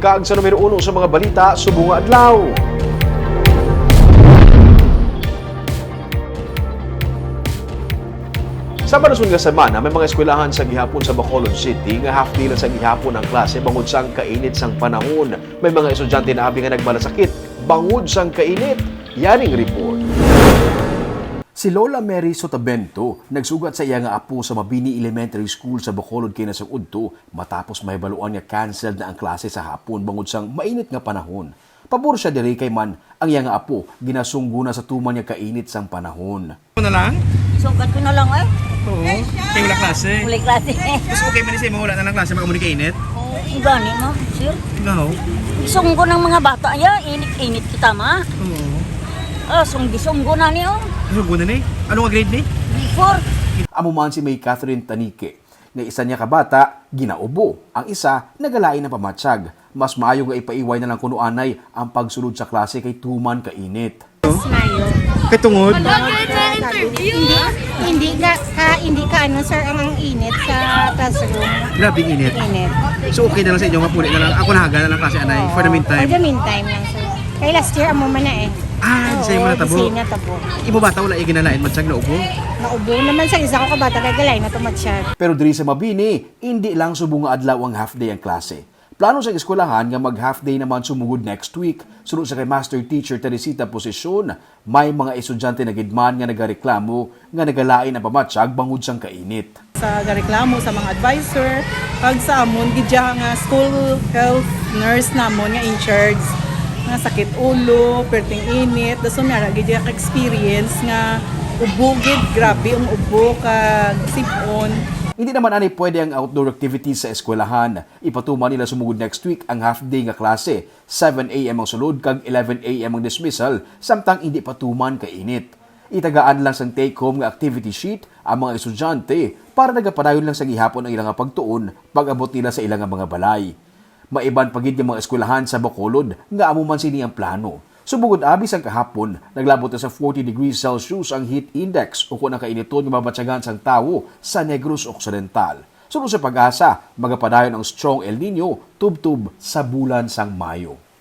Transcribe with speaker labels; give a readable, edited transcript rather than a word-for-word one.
Speaker 1: kaag sa numero 1 sa mga balita subong nga adlaw. Sa manasun nga semana, may mga eskwelahan sa gihapon sa Bacolod City nga half day lang sa gihapon ang klase bangod sang kainit sang panahon. May mga estudyante na abi nga nagbalasakit bangod sang kainit. Yaring report. Si Lola Mary Sotabento nagsugat sa iya nga apo sa Mabini Elementary School sa Bacolod kay nasang udto matapos may baluan nga canceled na ang klase sa hapon bangod sang mainit nga panahon. Pabor siya diri kay man ang iya nga apo ginasunggo na sa tuman nga kainit sang panahon.
Speaker 2: Na lang?
Speaker 3: Sugat ko na lang eh.
Speaker 2: Oo. Kaya wala klase.
Speaker 3: Muli klase.
Speaker 2: Mas okay man siya wala na lang klase makamunikainit?
Speaker 3: Oo, gani mo, sir.
Speaker 2: No.
Speaker 3: Isunggo ng mga bata ya, init-init kita ma.
Speaker 2: Oo.
Speaker 3: Sunggi-sunggo na niyo.
Speaker 2: Ano guna ni? Ano nga grade ni?
Speaker 3: Before.
Speaker 1: Amo man si May Catherine Tanike nga isa niya kabata ginaubo, ang isa nagalain ng pamatsyag. Mas maayo nga ipaiway na lang kuno anay ang pagsulod sa klase kay tuman kainit.
Speaker 4: Mayo.
Speaker 2: Kay tungod?
Speaker 4: Hindi ka ano sir ang init sa classroom.
Speaker 2: Grabe init.
Speaker 4: Init.
Speaker 2: So okay na lang sa inyo mapuli na lang. Ako nahaga na lang klase anay for the
Speaker 4: For
Speaker 2: meantime.
Speaker 4: the meantime lang sir. Kay last year amo man na eh.
Speaker 2: Ah, di sa'yo mo natabo.
Speaker 4: Di sa'yo natabo.
Speaker 2: Ibo bata wala iginalain matsyag na ubo.
Speaker 4: Naubo naman sa isa ko kabata kay galay na tumatsyag.
Speaker 1: Pero diri sa Mabini, hindi lang subong nga adlaw ang half day ang klase. Plano sa eskwelahan nga mag half day naman sumugod next week. Sunod sa kay Master Teacher Teresita Posisyon, may mga estudyante na gidman nga nagareklamo nga nagalain ang pamatsyag bangod sang kainit.
Speaker 5: Sa reklamo sa mga advisor, pag sa amon gidya nga school health nurse namon nga in charge nga sakit ulo, perting init, daso nga gidya ka experience nga ubo gid grabe ang ubo kag sipon.
Speaker 1: Hindi naman ani pwede ang outdoor activities sa eskwelahan. Ipatuman nila sumugod next week ang half day nga klase. 7 a.m. ang sulod kag 11 a.m. ang dismissal samtang hindi patuman kainit. Itagaan lang sang take-home nga activity sheet ang mga estudyante para nagapadayon lang sa gihapon ang ilang pagtuon pag-abot nila sa ilang mga balay. Maiban pagid yung mga eskwelahan sa Bacolod nga amo man sini ang plano. Subugod abis ang kahapon, naglabot na sa 40 degrees Celsius ang heat index o kung ang kainiton nga mabatsyagan sang tawo sa Negros Occidental. Sunod sa pag-asa, magapadayon ang strong El Nino tubtub sa bulan sang Mayo.